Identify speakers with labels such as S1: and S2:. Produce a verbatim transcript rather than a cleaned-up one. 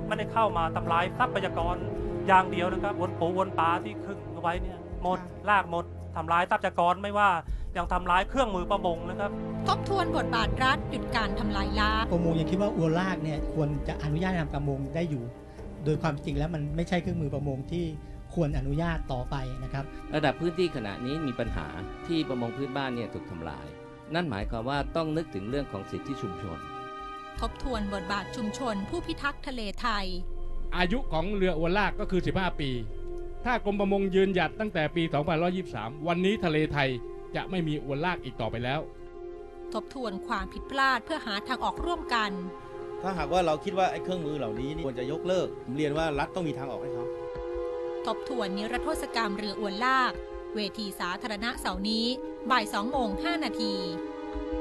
S1: ไม่ได้เข้ามาทำลายทรัพยากรอย่างเดียวนะครับวนปูวนปลาที่ขึงเอาไว้เนี่ยหมดลากหมดทำลายทรัพยากรไม่ว่ายังทำลายเครื่องมือประมงนะครับ
S2: ทบทวนบทบาทรัฐหยุดการทำลายล้าง
S3: ประมงยังคิดว่าอวนลากเนี่ยควรจะอนุญาตทำประมงได้อยู่โดยความจริงแล้วมันไม่ใช่เครื่องมือประมงที่ควรอนุญาตต่อไปนะครับ
S4: ระดับพื้นที่ขณะนี้มีปัญหาที่ประมงพื้นบ้านเนี่ยถูกทำลายนั่นหมายความว่าต้องนึกถึงเรื่องของสิทธิชุมชน
S2: ทบทวนบทบาทชุมชนผู้พิทักษ์ทะเลไทย
S5: อายุของเรืออวนลากก็คือสิบห้าปีถ้ากรมประมงยืนหยัดตั้งแต่ปีสองพันห้าร้อยยี่สิบสามวันนี้ทะเลไทยจะไม่มีอวนลากอีกต่อไปแล้ว
S2: ทบทวนความผิดพลาดเพื่อหาทางออกร่วมกัน
S6: ถ้าหากว่าเราคิดว่าไอ้เครื่องมือเหล่านี้ควรจะยกเลิกผมเรียนว่ารัฐต้องมีทางออกให้เขา
S2: ทบทวนนิรโทษกรรมเรืออวนลากเวทีสาธารณะเสาร์นี้บ่ายสองโมงห้านาที